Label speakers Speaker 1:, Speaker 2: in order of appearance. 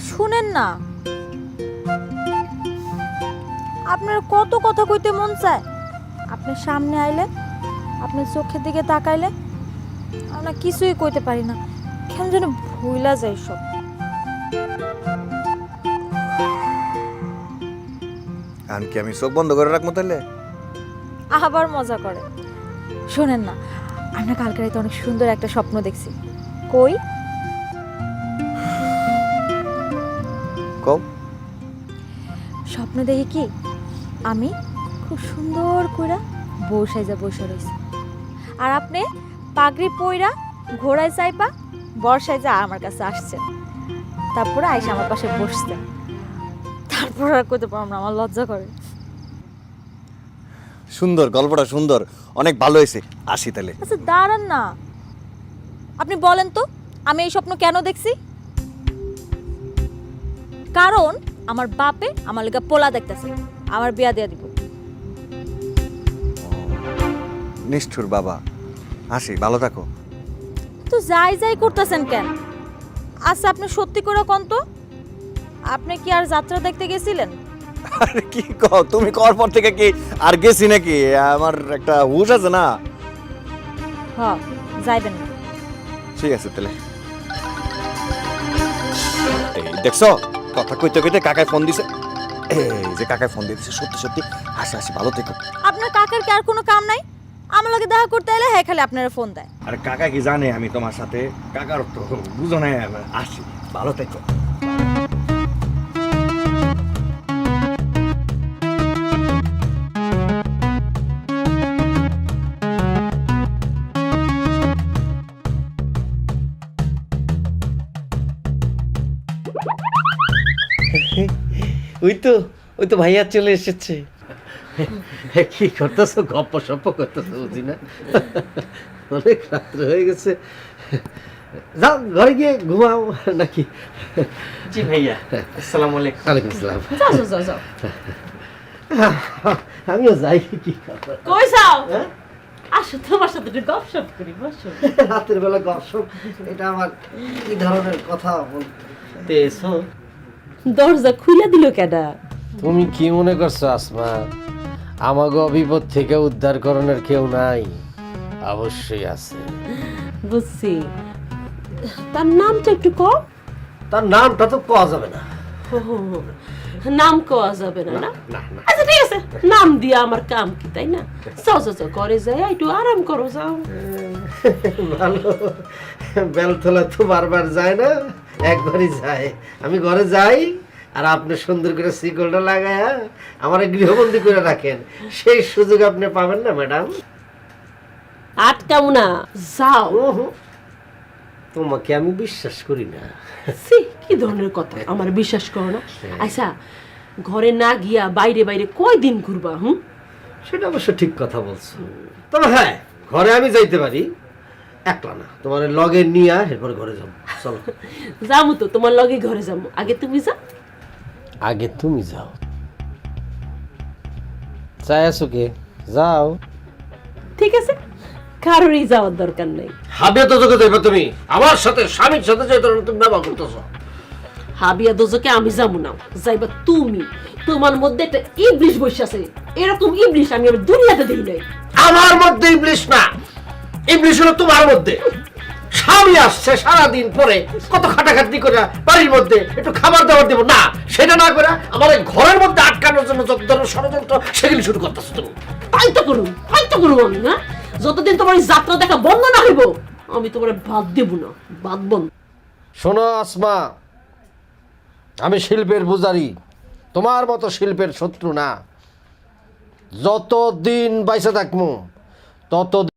Speaker 1: শুনেন না, আপনার কত কথা কইতে মন চায়, আপনার সামনে আইলে, আপনার চোখের দিকে তাকাইলে আমরা কিছুই কইতে পারি না, কেন যেন ভুইলা যায় সব।
Speaker 2: কি আমি চোখ বন্ধ করে রাখবো তাহলে?
Speaker 1: আবার মজা করে। শোনেন না, আমরা কালকে রাতে অনেক সুন্দর একটা স্বপ্ন দেখছি। কই?
Speaker 2: কও।
Speaker 1: স্বপ্ন দেখি কি আমি খুব সুন্দর কইরা বউ সাইজা বসে রইছি, আর আপনি পাগড়ি পইরা ঘোড়ায় চাইপা বর সাইজা আমার কাছে আসছেন, তারপরে আইসা আমার পাশে বসছেন। তারপর আর কইতে পারলাম না, আমার লজ্জা করে।
Speaker 2: সুন্দর, গল্পটা সুন্দর, অনেক ভালো হয়েছে। আসি তাহলে।
Speaker 1: আচ্ছা দাঁড়ান না, আপনি বলেন তো আমি এই স্বপ্ন কেন দেখছি? কারণ আমার বাপে আমার লেগা পোলা দেখতেছে, আমার বিয়া দিয়া দিব।
Speaker 2: নিষ্ঠুর বাবা। আসি, ভালো থাকো।
Speaker 1: তো যাই যাই করতেছেন কেন? আচ্ছা আপনি সত্যি করে কোন তো, আপনি কি আর যাত্রা দেখতে গেছিলেন?
Speaker 2: আরে কি কও, তুমি কর পর থেকে কি আর গেছি নাকি? আমার একটা হুশ আছে না।
Speaker 1: হ্যাঁ, যাইবেন না।
Speaker 2: ঠিক আছে তাহলে। এই দেখছো, কথা কইতে কইতে কাকায় ফোন দিছে। এই যে কাকায় ফোন দিয়েছে, সত্যি সত্যি। আসি আসি, ভালো থেকো।
Speaker 1: আপনার কাকার কি আর কোনো কাম নাই? আমার লগে দেখা করতে এলে হ্যাঁ খালি আপনারা ফোন দেয়।
Speaker 2: আরে কাকা কি জানে আমি তোমার সাথে? কাকার তো বুঝো না। আসি, ভালো থেকো।
Speaker 3: ওই তো ভাইয়া চলে এসেছে। কি করতেছো? গপ্প সপ্প করতেছো বুঝি না? অনেক রাত্র হয়ে গেছে, যাও ঘরে গিয়ে ঘুমাও নাকি?
Speaker 4: জি ভাইয়া, আসসালামু আলাইকুম।
Speaker 3: ওয়ালাইকুম আসসালাম।
Speaker 5: যাও যাও যাও যাও।
Speaker 3: আমিও যাই। কি কথা?
Speaker 5: কই যাও?
Speaker 3: হ্যাঁ?
Speaker 5: আসো তোমার সাথে একটু গপসপ করি, বসো।
Speaker 3: রাতের বেলা গসব, এটা আমার কি ধরনের কথা বলতে এসো?
Speaker 5: দরজা খুলে দিল কেডা?
Speaker 3: তুমি কি মনে করছো আসমা, আমাগো বিপদ থেকে উদ্ধার করণের কেউ নাই? অবশ্যই আছে।
Speaker 5: বুঝছি, তার নামটা একটু কম।
Speaker 3: তার নামটা তো পাওয়া যাবে না।
Speaker 5: নাম কওয়া যাবে না, না?
Speaker 3: না না,
Speaker 5: আচ্ছা ঠিক আছে, নাম দিয়া আমার কাম কি, তাই না? যাও যাও যাও, ঘরে যাই একটু আরাম করো, যাও।
Speaker 3: ভালো। বেলতলা তো বারবার যায় না, একবারই যায়। আমি ঘরে যাই আর আপনি সুন্দর করে শিকলটা লাগায়া আমার গৃহবন্দী করে রাখেন, সেই সুযোগ আপনি পাবেন না ম্যাডাম।
Speaker 5: আটকাও না, যাও।
Speaker 3: তোমাকে আমি বিশ্বাস করি না।
Speaker 5: সি, কি ধরনের কথা? আমার বিশ্বাস করো না? আচ্ছা, ঘরে না গিয়া বাইরে বাইরে কয়দিন ঘুরবা?
Speaker 3: সেটা অবশ্য ঠিক কথা বলছো, তবে হ্যাঁ, ঘরে আমি যাইতে পারি, একলা না, তোমার লগে নিয়ে এরপরে ঘরে যাবো। চলো।
Speaker 5: যাবো তো, তোমার লগে ঘরে যাবো। আগে তুমি যাও।
Speaker 3: আগে তুমি যাও। চাই আছো কে? যাও।
Speaker 5: ঠিক আছে, কারোরই যাওয়ার দরকার নেই।
Speaker 3: হাবিয়া তো তোকে যাইবা তুমি, আমার সাথে স্বামীর সাথে যে ধরনের তুমি ব্যবহার করতেছো।
Speaker 5: হাবিয়া দোজকে আমি যাবো না, যাইবা তুমি। তোমার মধ্যে একটা ইবলিশ বসে আছে, এরকম ইবলিশ আমি আর দুনিয়াতে দেখি নাই।
Speaker 3: আমার মধ্যে ইবলিশ না, ইবলিশ হলো তোমার মধ্যে। স্বামী আসছে সারাদিন পরে কত খাটাখাটনি করে বাড়ির মধ্যে একটু খাবার দাবার দেবো না, সেটা না করে আমার এই ঘরের মধ্যে আটকানোর জন্য যত ধরনের ষড়যন্ত্র সেগুলি শুরু করতেছো তুমি।
Speaker 5: তাই তো করুন আমি, না? যতদিন তোমার এই যাত্রা দেখা বন্ধ না হইব, আমি তোমার বাদ দেব না, বাদ বন্ধ।
Speaker 3: শোনো আসমা, আমি শিল্পের পূজারি, তোমার মতো শিল্পের শত্রু না। যতদিন বাইসে থাকবো তত